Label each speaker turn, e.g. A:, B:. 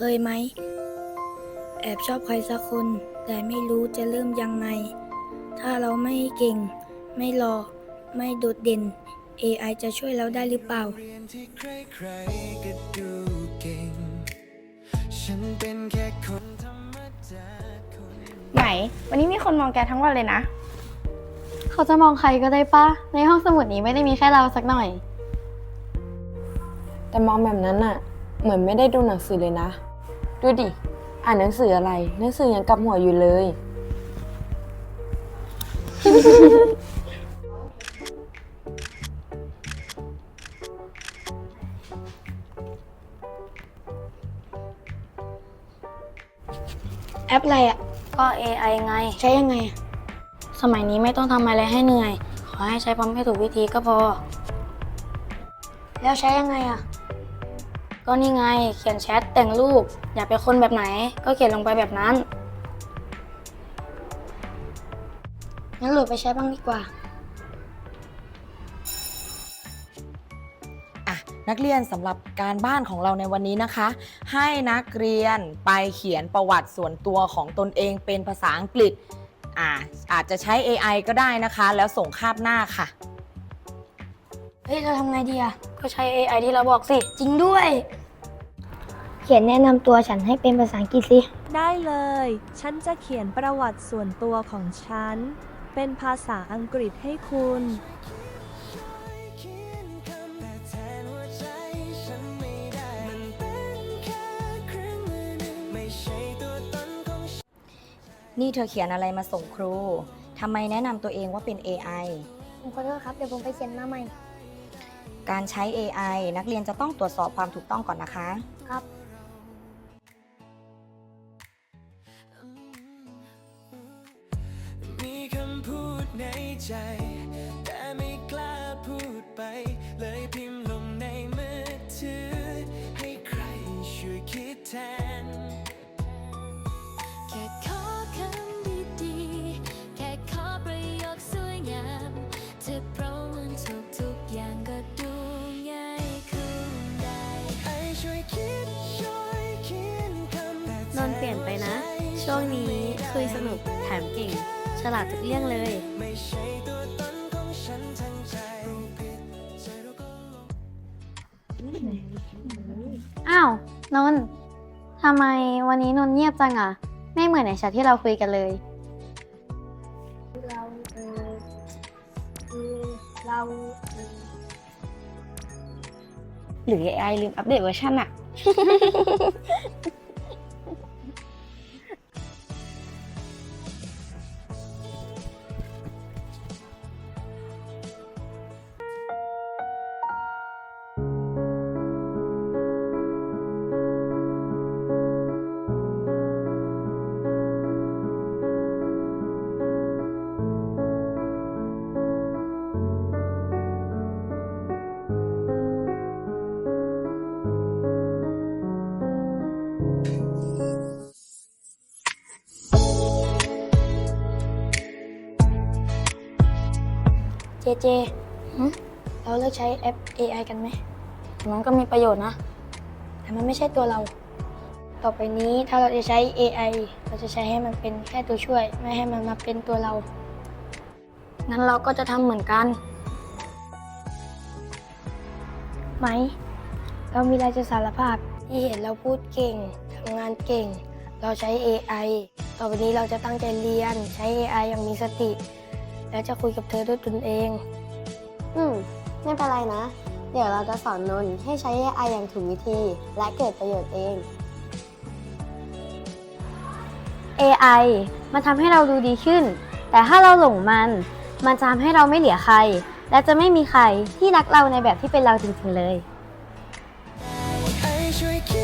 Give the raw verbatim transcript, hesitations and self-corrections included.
A: ยไหมแอบชอบใครสักคนแต่ไม่รู้จะเริ่มยังไงถ้าเราไม่เก่งไม่หล่อไม่โดดเด่น เอ ไอ จะช่วยเราได้หรือเปล่า
B: ไหนวันนี้มีคนมองแกทั้งวันเลยนะ
C: เขาจะมองใครก็ได้ปะในห้องสมุดนี้ไม่ได้มีแค่เราสักหน่อย
D: แต่มองแบบนั้นน่ะเหมือนไม่ได้ดูหนังสือเลยนะดูดิอ่านหนังสืออะไรหนังสือยังกับหัวอยู่เลย
A: แอปอะไรอ่ะ
C: ก็ เอ ไอ ไง
A: ใช้ยังไง
C: สมัยนี้ไม่ต้องทำอะไรให้เหนื่อยขอให้ใช้พร้อมให้ถูกวิธีก็พอ
A: แล้วใช้ยังไงอ่ะ
C: ก็นี่ไงเขียนแชทแต่งรูปอยากเป็นคนแบบไหนก็เขียนลงไปแบบนั้น
A: งั้นโหลดไปใช้บ้างดีกว่า
E: อ่ะนักเรียนสำหรับการบ้านของเราในวันนี้นะคะ ให้นักเรียนไปเขียนประวัติส่วนตัวของตนเองเป็นภาษาอังกฤษอ่าอาจจะใช้ เอ ไอ ก็ได้นะคะแล้วส่งคาบหน้าค่ะ
A: เฮ้ยเราทำไงดีอ่ะ
C: ก็ใช้ เอ ไอ ที่เราบอกสิ
A: จริงด้วยเขียนแนะนำตัวฉันให้เป็นภาษาอังกฤษสิ
F: ได้เลย ฉันจะเขียนประวัติส่วนตัวของฉันเป็นภาษาอังกฤษให้คุณ
E: นี่เธอเขียนอะไรมาส่งครูทำไมแนะนำตัวเองว่าเป็น เอ ไอ
A: ผมขอโทษครับเดี๋ยวผมไปเขียนมาใหม่
E: การใช้ เอ ไอ นักเรียนจะต้องตรวจสอบความถูกต้องก่อนนะคะ
A: ครับ
G: มีคำพูดในใจแต่ไม่กล้าพูดไปเลยพิมพ์ลงในมือถือให้ใครช่วยคิดแทน
H: แค่ขอคำดีๆแค่ขอประโยคสวยงามเธอเพราะมันทุกทุกอย่างก็ดูง่ายขึ้นได้
G: ให้ช่วยคิดช่วยเขียนคำ
C: นนเปลี่ยนไปนะช่วงนี้คุยสนุกแถมเก่งฉลาดทุกเรื่องเลย
G: ไม่ใช่ตัวตนของฉันทั้งใจ
C: อ้าวนนท์ทำไมวันนี้นนท์เงียบจังอ่ะไม่เหมือนในแชทที่เราคุยกันเลย
A: เราเออคือเราเออ
B: หรือ เอ ไอ ลืมอัปเดตเวอร์ชันอะ
A: เจเจเราเลิกใช้แอป เอ ไอ กันไหม
C: มันก็มีประโยชน์นะ
A: แต่มันไม่ใช่ตัวเรา ต่อไปนี้ถ้าเราจะใช้ เอ ไอ เราจะใช้ให้มันเป็นแค่ตัวช่วย ไม่ให้มันมาเป็นตัวเรา
C: งั้นเราก็จะทำเหมือนกัน
A: ไหมเรามีอะไรจะสารภาพที่เห็นเราพูดเก่งทำงานเก่ง เราใช้ เอ ไอ ต่อไปนี้เราจะตั้งใจเรียนใช้ เอ ไอ อย่างมีสติและจะคุยกับเธอด้วยตนเอง
C: อืมไม่เป็นไรนะ เดี๋ยวเราจะสอนนนท์ให้ใช้ เอ ไอ อย่างถูกวิธีและเกิดประโยชน์เอง เอ ไอ มันทำให้เราดูดีขึ้นแต่ถ้าเราหลงมันมันจะทำให้เราไม่เหลือใครและจะไม่มีใครที่รักเราในแบบที่เป็นเราจริงๆเลย
G: ให้ช่วยคิด